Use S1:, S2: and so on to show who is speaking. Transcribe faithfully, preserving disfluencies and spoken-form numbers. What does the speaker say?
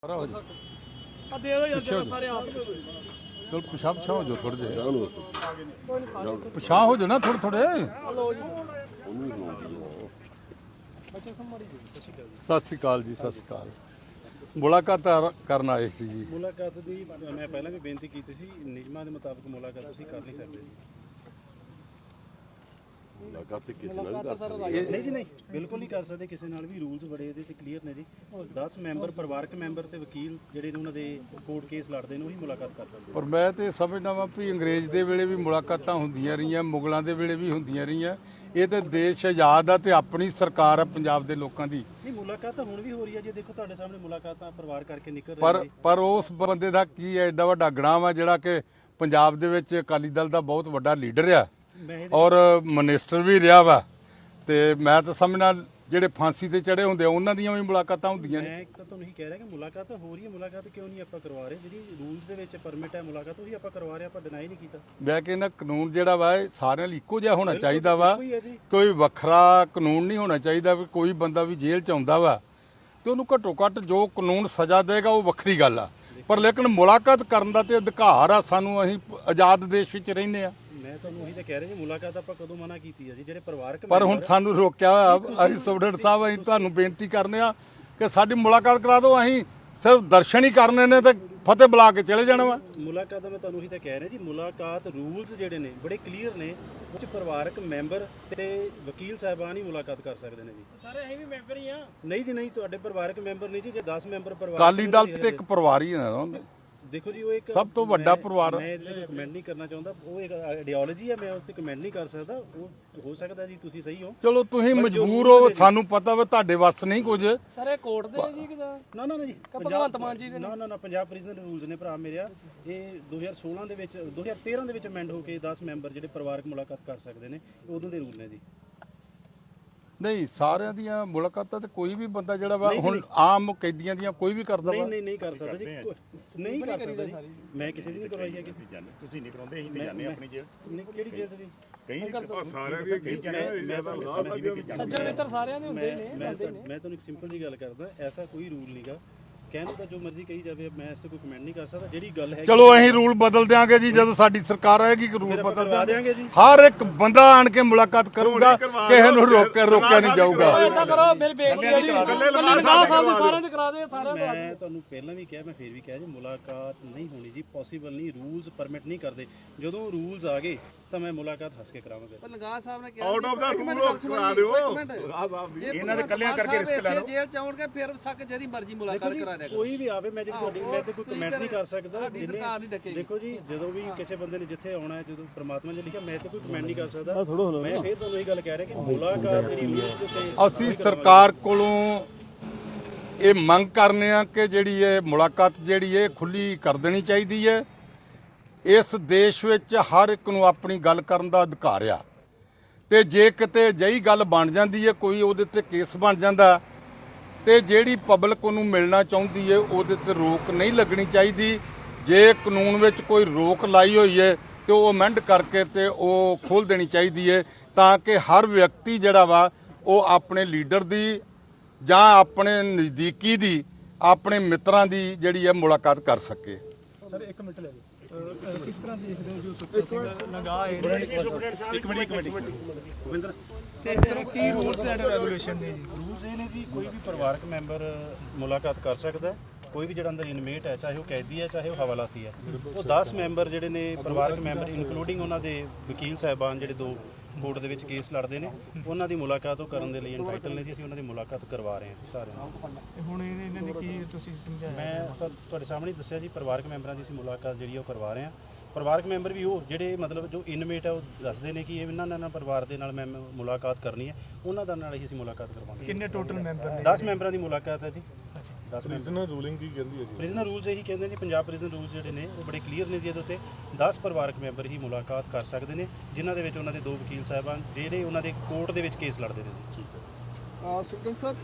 S1: चल पिछा पिछा हो जाओ थोड़े जे पिछा हो जाओ ना थोड़े थोड़े सत श्री अकाल जी सत श्री अकाल मुलाकात करन आए सी जी
S2: मुलाकात दी मैं पहला भी बेनती की सी नियमां दे मुताबिक मुलाकात तुसीं कर नहीं सकते
S3: मुलाकात ते किसी नाल भी कर सकदे
S2: नहीं जी नहीं बिल्कुल नहीं कर सकते किसी नाल भी रूल्स बड़े ਇਹਦੇ ਤੇ ਕਲੀਅਰ ਨੇ ਜੀ दस ਮੈਂਬਰ ਪਰਿਵਾਰਕ ਮੈਂਬਰ ਤੇ ਵਕੀਲ ਜਿਹੜੇ ਨੇ ਉਹਨਾਂ ਦੇ ਕੋਰਟ ਕੇਸ ਲੜਦੇ ਨੇ ਉਹੀ ਮੁਲਾਕਾਤ ਕਰ ਸਕਦੇ
S1: ਪਰ ਮੈਂ ਤੇ ਸਮਝਦਾ ਵਾਂ ਵੀ ਅੰਗਰੇਜ਼ ਦੇ ਵੇਲੇ ਵੀ ਮੁਲਾਕਾਤਾਂ ਹੁੰਦੀਆਂ ਰਹੀਆਂ ਮੁਗਲਾਂ ਦੇ ਵੇਲੇ ਵੀ ਹੁੰਦੀਆਂ ਰਹੀਆਂ ਇਹ ਤੇ ਦੇਸ਼ ਆਜ਼ਾਦ ਆ ਤੇ ਆਪਣੀ ਸਰਕਾਰ ਆ ਪੰਜਾਬ ਦੇ ਲੋਕਾਂ ਦੀ
S2: ਨਹੀਂ ਮੁਲਾਕਾਤ ਤਾਂ ਹੁਣ ਵੀ ਹੋ ਰਹੀ ਹੈ ਜੀ ਦੇਖੋ ਤੁਹਾਡੇ ਸਾਹਮਣੇ ਮੁਲਾਕਾਤਾਂ ਪਰਿਵਾਰ ਕਰਕੇ ਨਿਕਲ ਰਹੀ
S1: ਪਰ ਪਰ ਉਸ ਬੰਦੇ ਦਾ ਕੀ ਹੈ ਐਡਾ ਵੱਡਾ ਗਣਾ ਵਾ ਜਿਹੜਾ ਕਿ ਪੰਜਾਬ ਦੇ ਵਿੱਚ ਅਕਾਲੀ ਦਲ ਦਾ ਬਹੁਤ ਵੱਡਾ ਲੀਡਰ ਆ ਔਰ ਮਿਨਿਸਟਰ ਵੀ ਰਿਹਾ ਵਾ ਤੇ ਮੈਂ ਤਾਂ ਸਮਝਣਾ ਜਿਹੜੇ ਫਾਂਸੀ ਤੇ ਚੜੇ ਹੁੰਦੇ ਉਹਨਾਂ ਦੀਆਂ ਵੀ ਮੁਲਾਕਾਤਾਂ ਹੁੰਦੀਆਂ ਨੇ
S2: ਮੈਂ ਤਾਂ ਤੁਹਾਨੂੰ ਇਹੀ ਕਹਿ ਰਿਹਾ ਕਿ ਮੁਲਾਕਾਤ ਤਾਂ ਹੋ ਰਹੀ ਹੈ ਮੁਲਾਕਾਤ ਕਿਉਂ ਨਹੀਂ ਆਪਾਂ ਕਰਵਾ ਰਹੇ ਜਿਹੜੀ ਰੂਲਸ ਦੇ ਵਿੱਚ ਪਰਮਿਟ ਹੈ ਮੁਲਾਕਾਤ ਉਹੀ ਆਪਾਂ ਕਰਵਾ ਰਹੇ ਆਪਾਂ ਡਿਨਾਈ ਨਹੀਂ ਕੀਤਾ
S1: ਮੈਂ ਕਹਿੰਦਾ ਕਾਨੂੰਨ ਜਿਹੜਾ ਵਾ ਇਹ ਸਾਰਿਆਂ ਲਈ ਇੱਕੋ ਜਿਹਾ ਹੋਣਾ ਚਾਹੀਦਾ ਵਾ
S2: ਕੋਈ ਹੈ ਜੀ
S1: ਕੋਈ ਵੱਖਰਾ ਕਾਨੂੰਨ ਨਹੀਂ ਹੋਣਾ ਚਾਹੀਦਾ ਵੀ ਕੋਈ ਬੰਦਾ ਵੀ ਜੇਲ੍ਹ ਚ ਆਉਂਦਾ ਵਾ ਤੇ ਉਹਨੂੰ ਘੱਟੋ ਘੱਟ ਜੋ ਕਾਨੂੰਨ ਸਜ਼ਾ ਦੇਗਾ ਉਹ ਵੱਖਰੀ ਗੱਲ ਆ ਪਰ ਲੇਕਿਨ ਮੁਲਾਕਾਤ ਕਰਨ ਦਾ ਤੇ ਅਧਿਕਾਰ ਆ ਸਾਨੂੰ ਅਸੀਂ ਆਜ਼ਾਦ ਦੇਸ਼ ਵਿੱਚ ਰਹਿੰਦੇ ਆ
S2: ਮੈਂ ਤੁਹਾਨੂੰ ਉਹੀ ਤਾਂ ਕਹਿ ਰਿਹਾ ਜੀ ਮੁਲਾਕਾਤ ਆਪਾਂ ਕਦੋਂ ਮਨਾ ਕੀਤੀ ਹੈ ਜੀ ਜਿਹੜੇ ਪਰਿਵਾਰਕ
S1: ਪਰ ਹੁਣ ਸਾਨੂੰ ਰੋਕਿਆ ਹੋਇਆ ਅਸੀਂ ਸਟੂਡੈਂਟ ਸਾਹਿਬ ਅਸੀਂ ਤੁਹਾਨੂੰ ਬੇਨਤੀ ਕਰਨੇ ਆ ਕਿ ਸਾਡੀ ਮੁਲਾਕਾਤ ਕਰਾ ਦਿਓ ਅਸੀਂ ਸਿਰਫ ਦਰਸ਼ਨ ਹੀ ਕਰਨੇ ਨੇ ਤੇ ਫਤਿਹ ਬੁਲਾ ਕੇ ਚਲੇ ਜਾਣਾ ਵਾ
S2: ਮੁਲਾਕਾਤ ਦਾ ਮੈਂ ਤੁਹਾਨੂੰ ਉਹੀ ਤਾਂ ਕਹਿ ਰਿਹਾ ਜੀ ਮੁਲਾਕਾਤ ਰੂਲਸ ਜਿਹੜੇ ਨੇ ਬੜੇ ਕਲੀਅਰ ਨੇ ਉਹ 'ਚ ਪਰਿਵਾਰਕ ਮੈਂਬਰ ਤੇ ਵਕੀਲ ਸਾਹਿਬਾਨ ਹੀ ਮੁਲਾਕਾਤ ਕਰ ਸਕਦੇ ਨੇ ਜੀ ਸਾਰੇ ਅਸੀਂ ਵੀ ਮੈਂਬਰ ਹੀ ਆ ਨਹੀਂ ਜੀ ਨਹੀਂ ਤੁਹਾਡੇ ਪਰਿਵਾਰਕ ਮੈਂਬਰ ਨਹੀਂ ਜੀ ਜੇ ਦਸ ਮੈਂਬਰ ਪਰਿਵਾਰ
S1: ਅਕਾਲੀ ਦਲ ਤੇ ਇੱਕ ਪਰਿਵਾਰ ਹੀ ਨਾ
S2: ਦੇਖੋ ਜੀ ਉਹ ਇੱਕ
S1: ਸਭ ਤੋਂ ਵੱਡਾ ਪਰਿਵਾਰ
S2: ਮੈਂ ਇਹਦੇ ਤੇ ਕਮੈਂਟ ਨਹੀਂ ਕਰਨਾ ਚਾਹੁੰਦਾ ਉਹ ਇੱਕ ਆਈਡੀਓਲੋਜੀ ਹੈ ਮੈਂ ਉਸ ਤੇ ਕਮੈਂਟ ਨਹੀਂ ਕਰ ਸਕਦਾ ਉਹ ਹੋ ਸਕਦਾ ਜੀ ਤੁਸੀਂ ਸਹੀ ਹੋ
S1: ਚਲੋ ਤੁਸੀਂ ਮਜਬੂਰ ਹੋ ਸਾਨੂੰ ਪਤਾ ਵਾ ਤੁਹਾਡੇ ਵੱਸ ਨਹੀਂ ਕੁਝ
S4: ਸਾਰੇ ਕੋਰਟ ਦੇ ਜੀ ਕਿ
S2: ਨਾ ਨਾ ਨਾ ਜੀ
S4: ਭਗਵੰਤ ਮਾਨ ਜੀ ਦੇ
S2: ਨਾ ਨਾ ਨਾ ਪੰਜਾਬ ਪ੍ਰਿਜ਼ਨ ਰੂਲਸ ਨੇ ਭਰਾ ਮੇਰਿਆ ਇਹ ਦੋ ਹਜ਼ਾਰ ਸੋਲਾਂ ਦੇ ਵਿੱਚ ਦੋ ਹਜ਼ਾਰ ਤੇਰਾਂ ਦੇ ਵਿੱਚ ਅਮੈਂਡ ਹੋ ਕੇ ਦਸ ਮੈਂਬਰ ਜਿਹੜੇ ਪਰਿਵਾਰਕ ਮੁਲਾਕਾਤ ਕਰ ਸਕਦੇ ਨੇ ਉਦੋਂ ਦੇ ਰੂਲ ਨੇ ਜੀ
S1: ਨਹੀਂ ਸਾਰਿਆਂ ਦੀਆਂ ਮੁਲਾਕਾਤਾਂ ਤੇ ਕੋਈ ਵੀ ਬੰਦਾ ਜਿਹੜਾ ਵਾ ਹੁਣ ਆਮ ਕੈਦੀਆਂ ਦੀਆਂ ਕੋਈ ਵੀ ਕਰਦਾ
S2: ਨਹੀਂ
S1: ਵਾ
S2: ਨਹੀਂ ਨਹੀਂ ਕਰ ਸਕਦਾ ਜੀ ਨਹੀਂ ਕਰ ਸਕਦਾ ਜੀ ਮੈਂ ਕਿਸੇ ਦੀ ਨਹੀਂ ਕਰਵਾਈ ਹੈ ਕਿ
S3: ਤੁਸੀਂ ਨਹੀਂ ਕਰਾਉਂਦੇ ਅਸੀਂ ਤੇ ਜਾਂਦੇ ਆਪਣੀ ਜੇਲ੍ਹ
S2: ਨਹੀਂ ਕਿਹੜੀ ਜੇਲ੍ਹ ਜੀ
S3: ਕਈ ਸਾਰਿਆਂ ਦੀ ਕਈ ਜਾਂਦੇ
S4: ਸੱਜਣ ਮਿੱਤਰ ਸਾਰਿਆਂ ਦੇ ਹੁੰਦੇ ਨੇ
S2: ਮੈਂ ਮੈਂ ਤੁਹਾਨੂੰ ਇੱਕ ਸਿੰਪਲ ਜੀ ਗੱਲ ਕਰਦਾ ਐਸਾ ਕੋਈ ਰੂਲ ਨਹੀਂਗਾ ਕਹਿਣ ਦਾ ਜੋ ਮਰਜ਼ੀ ਕਹੀ ਜਾਵੇ ਮੈਂ ਇਸ ਤੇ ਕੋਈ ਕਮੈਂਟ ਨਹੀਂ ਕਰ ਸਕਦਾ ਜਿਹੜੀ ਗੱਲ ਹੈ
S1: ਚਲੋ ਅਸੀਂ ਰੂਲ ਬਦਲ ਦਿਆਂਗੇ ਜੀ ਜਦੋਂ ਸਾਡੀ ਸਰਕਾਰ ਆਏਗੀ ਕਿ ਰੂਲ ਬਦਲ
S2: ਦਿਆਂਗੇ
S1: ਦਿਆਂਗੇ
S2: ਜੀ
S1: ਹਰ ਇੱਕ ਬੰਦਾ ਆਣ ਕੇ ਮੁਲਾਕਾਤ ਕਰੂਗਾ ਕਿਸੇ ਨੂੰ ਰੋਕ ਕੇ ਰੋਕਿਆ ਨਹੀਂ ਜਾਊਗਾ
S4: ਇਦਾਂ ਕਰੋ ਮੇਰੀ ਬੇਨਤੀ ਹੈ ਜੀ ਲਗਾ ਸਾਹਿਬ ਦੇ ਸਾਰਿਆਂ ਦੇ ਕਰਾ ਦੇ ਸਾਰਿਆਂ ਦੇ
S2: ਮੈਂ ਤੁਹਾਨੂੰ ਪਹਿਲਾਂ ਵੀ ਕਿਹਾ ਮੈਂ ਫੇਰ ਵੀ ਕਿਹਾ ਜੀ ਮੁਲਾਕਾਤ ਨਹੀਂ ਹੋਣੀ ਜੀ ਪੋਸੀਬਲ ਨਹੀਂ ਰੂਲਸ ਪਰਮਿਟ ਨਹੀਂ ਕਰਦੇ ਜਦੋਂ ਰੂਲਸ ਆ ਗਏ ਤਾਂ ਮੈਂ ਮੁਲਾਕਾਤ ਹੱਸ ਕੇ ਕਰਾਵਾਂਗਾ
S4: ਪਰ ਲਗਾ ਸਾਹਿਬ ਨੇ ਕਿਹਾ
S3: ਆਊਟ ਆਫ ਦਾ ਰੂਲ ਕਰਾ ਦਿਓ ਲਗਾ ਸਾਹਿਬ ਦੀ
S4: ਇਹਨਾਂ ਦੇ ਕੱਲਿਆਂ ਕਰਕੇ ਰਿਸਕ ਲੈ ਲਓ ਜੇਲ੍ਹ ਚ ਆਉਣਗੇ ਫਿਰ ਸੱਕ ਜਿਹਦੀ ਮਰਜ਼ੀ ਮੁਲਾਕਾਤ ਕਰਾ ਦਿਆ
S2: ਕੋਈ ਵੀ ਆਵੇ ਮੈਂ ਜਿਹੜੀ ਤੁਹਾਡੀ ਮੈਂ ਤੇ ਕੋਈ ਕਮੈਂਟ ਨਹੀਂ ਕਰ ਸਕਦਾ
S4: ਸਰਕਾਰ ਨਹੀਂ ਡੱਕੇਗੀ
S2: ਦੇਖੋ ਜੀ ਜਦੋਂ ਵੀ ਕਿਸੇ ਬੰਦੇ ਨੇ ਜਿੱਥੇ ਆਉਣਾ ਹੈ ਜਦੋਂ ਪ੍ਰਮਾਤਮਾ ਨੇ ਲਿਖਿਆ ਮੈਂ ਤੇ ਕੋਈ ਕਮੈਂਟ ਨਹੀਂ ਕਰ ਸਕਦਾ ਮੈਂ ਫੇਰ ਤੁਹਾਨੂੰ ਇਹ ਗੱਲ ਕਹਿ ਰਿਹਾ ਕਿ ਮੁਲਾਕਾਤ ਜਿਹੜੀ ਰੂਲਸ ਦੇ ਉੱਤੇ
S1: ਅਸੀਂ ਸਰਕਾਰ ਕੋਲੋਂ ਇਹ ਮੰਗ ਕਰਨੇ ਆ ਕਿ ਜਿਹੜੀ ਇਹ ਮੁਲਾਕਾਤ ਜਿਹੜੀ ਇਹ ਖੁੱਲੀ ਕਰ ਦੇਣੀ ਚਾਹੀਦੀ ਹੈ ਇਸ ਦੇਸ਼ ਵਿੱਚ ਹਰ ਇੱਕ ਨੂੰ ਆਪਣੀ ਗੱਲ ਕਰਨ ਦਾ ਅਧਿਕਾਰ ਆ ਤੇ ਜੇ ਕਿਤੇ ਜਈ ਗੱਲ ਬਣ ਜਾਂਦੀ ਹੈ ਕੋਈ ਉਹਦੇ ਤੇ ਕੇਸ ਬਣ ਜਾਂਦਾ ਤੇ ਜਿਹੜੀ ਪਬਲਿਕ ਉਹਨੂੰ ਮਿਲਣਾ ਚਾਹੁੰਦੀ ਹੈ ਉਹਦੇ ਤੇ ਰੋਕ ਨਹੀਂ ਲੱਗਣੀ ਚਾਹੀਦੀ ਜੇ ਕਾਨੂੰਨ ਵਿੱਚ ਕੋਈ ਰੋਕ ਲਾਈ ਹੋਈ ਹੈ ਤੇ ਉਹ ਅਮੈਂਡ ਕਰਕੇ ਤੇ ਉਹ ਖੋਲ ਦੇਣੀ ਚਾਹੀਦੀ ਹੈ ਤਾਂ ਕਿ ਹਰ ਵਿਅਕਤੀ ਜਿਹੜਾ ਵਾ ਉਹ ਆਪਣੇ ਲੀਡਰ ਦੀ ਜਾਂ ਆਪਣੇ ਨਜ਼ਦੀਕੀ ਦੀ ਆਪਣੇ ਮਿੱਤਰਾਂ ਦੀ ਜਿਹੜੀ ਹੈ ਮੁਲਾਕਾਤ ਕਰ ਸਕੇ
S5: ਸਰ ਇੱਕ ਮਿੰਟ ਲੈ ਲਓ ਕਿਸ ਤਰ੍ਹਾਂ ਦੇਖਦੇ ਹੋ ਜੋ ਸੁਖਪਾਲ ਸਿੰਘ ਲਗਾ ਹੈ ਇੱਕ ਮਿੰਟ ਇੱਕ ਮਿੰਟ
S2: ਗੋਬਿੰਦਰ
S5: ਤੇ ਤਰ੍ਹਾਂ ਕੀ ਰੂਲਸ ਐਂਡ ਰੈਗੂਲੇਸ਼ਨ ਨੇ ਜੀ
S2: ਰੂਲਸ ਇਹ ਨੇ ਜੀ ਕੋਈ ਵੀ ਪਰਿਵਾਰਕ ਮੈਂਬਰ ਮੁਲਾਕਾਤ ਕਰ ਸਕਦਾ ਕੋਈ ਵੀ ਜਿਹੜਾ ਅੰਦਰ ਇਨਮੇਟ ਹੈ ਚਾਹੇ ਉਹ ਕੈਦੀ ਹੈ ਚਾਹੇ ਉਹ ਹਵਾਲਾਤੀ ਹੈ ਉਹ ਦਸ ਮੈਂਬਰ ਜਿਹੜੇ ਨੇ ਪਰਿਵਾਰਕ ਮੈਂਬਰ ਇਨਕਲੂਡਿੰਗ ਉਹਨਾਂ ਦੇ ਵਕੀਲ ਸਾਹਿਬਾਨ ਜਿਹੜੇ ਦੋ ਕੋਰਟ ਦੇ ਵਿੱਚ ਕੇਸ ਲੜਦੇ ਨੇ ਉਹਨਾਂ ਦੀ ਮੁਲਾਕਾਤ ਉਹ ਕਰਨ ਦੇ ਲਈ ਐਂਟਾਈਟਲ ਨੇ ਜੀ ਅਸੀਂ ਉਹਨਾਂ ਦੀ ਮੁਲਾਕਾਤ ਕਰਵਾ ਰਹੇ ਹਾਂ ਸਾਰਿਆਂ ਨੂੰ
S5: ਹੁਣ ਇਹਨਾਂ ਨੇ ਕੀ ਤੁਸੀਂ ਸਮਝਾਇਆ
S2: ਮੈਂ ਤੁਹਾ- ਤੁਹਾਡੇ ਸਾਹਮਣੇ ਦੱਸਿਆ ਜੀ ਪਰਿਵਾਰਕ ਮੈਂਬਰਾਂ ਦੀ ਅਸੀਂ ਮੁਲਾਕਾਤ ਜਿਹੜੀ ਉਹ ਕਰਵਾ ਰਹੇ ਹਾਂ ਪਰਿਵਾਰਕ ਮੈਂਬਰ ਵੀ ਉਹ ਜਿਹੜੇ ਮਤਲਬ ਜੋ ਇਨਮੇਟ ਹੈ ਉਹ ਦੱਸਦੇ ਨੇ ਕਿ ਇਹ ਇਹਨਾਂ ਨਾਲ ਪਰਿਵਾਰ ਦੇ ਨਾਲ ਮੈਂ ਮੁਲਾਕਾਤ ਕਰਨੀ ਹੈ ਉਹਨਾਂ ਦਾ ਨਾਲ ਹੀ ਅਸੀਂ ਮੁਲਾਕਾਤ ਕਰਵਾਵਾਂਗੇ
S5: ਕਿੰਨੇ ਟੋਟਲ ਮੈਂਬਰ ਨੇ
S2: ਦਸ ਮੈਂਬਰਾਂ ਦੀ ਮੁਲਾਕਾਤ ਹੈ ਜੀ ਦਸ ਮੈਂਬਰ
S3: ਪ੍ਰਿਜ਼ਨਰ ਰੂਲਿੰਗ ਕੀ ਕਹਿੰਦੀ ਹੈ ਜੀ
S2: ਪ੍ਰਿਜ਼ਨਰ ਰੂਲਸ ਇਹੀ ਕਹਿੰਦੇ ਨੇ ਪੰਜਾਬ ਪ੍ਰਿਜ਼ਨ ਰੂਲਸ ਜਿਹੜੇ ਨੇ ਉਹ ਬੜੇ ਕਲੀਅਰ ਨੇ ਜੀ ਇਹਦੇ ਉੱਤੇ ਦਸ ਪਰਿਵਾਰਕ ਮੈਂਬਰ ਹੀ ਮੁਲਾਕਾਤ ਕਰ ਸਕਦੇ ਨੇ ਜਿਨ੍ਹਾਂ ਦੇ ਵਿੱਚ ਉਹਨਾਂ ਦੇ ਦੋ ਵਕੀਲ ਸਾਹਿਬਾਨ ਜਿਹੜੇ ਉਹਨਾਂ ਦੇ ਕੋਰਟ ਦੇ ਵਿੱਚ ਕੇਸ ਲੜਦੇ ਨੇ ਜੀ
S5: ਸੁਖਪਾਲ ਸਾਹਿਬ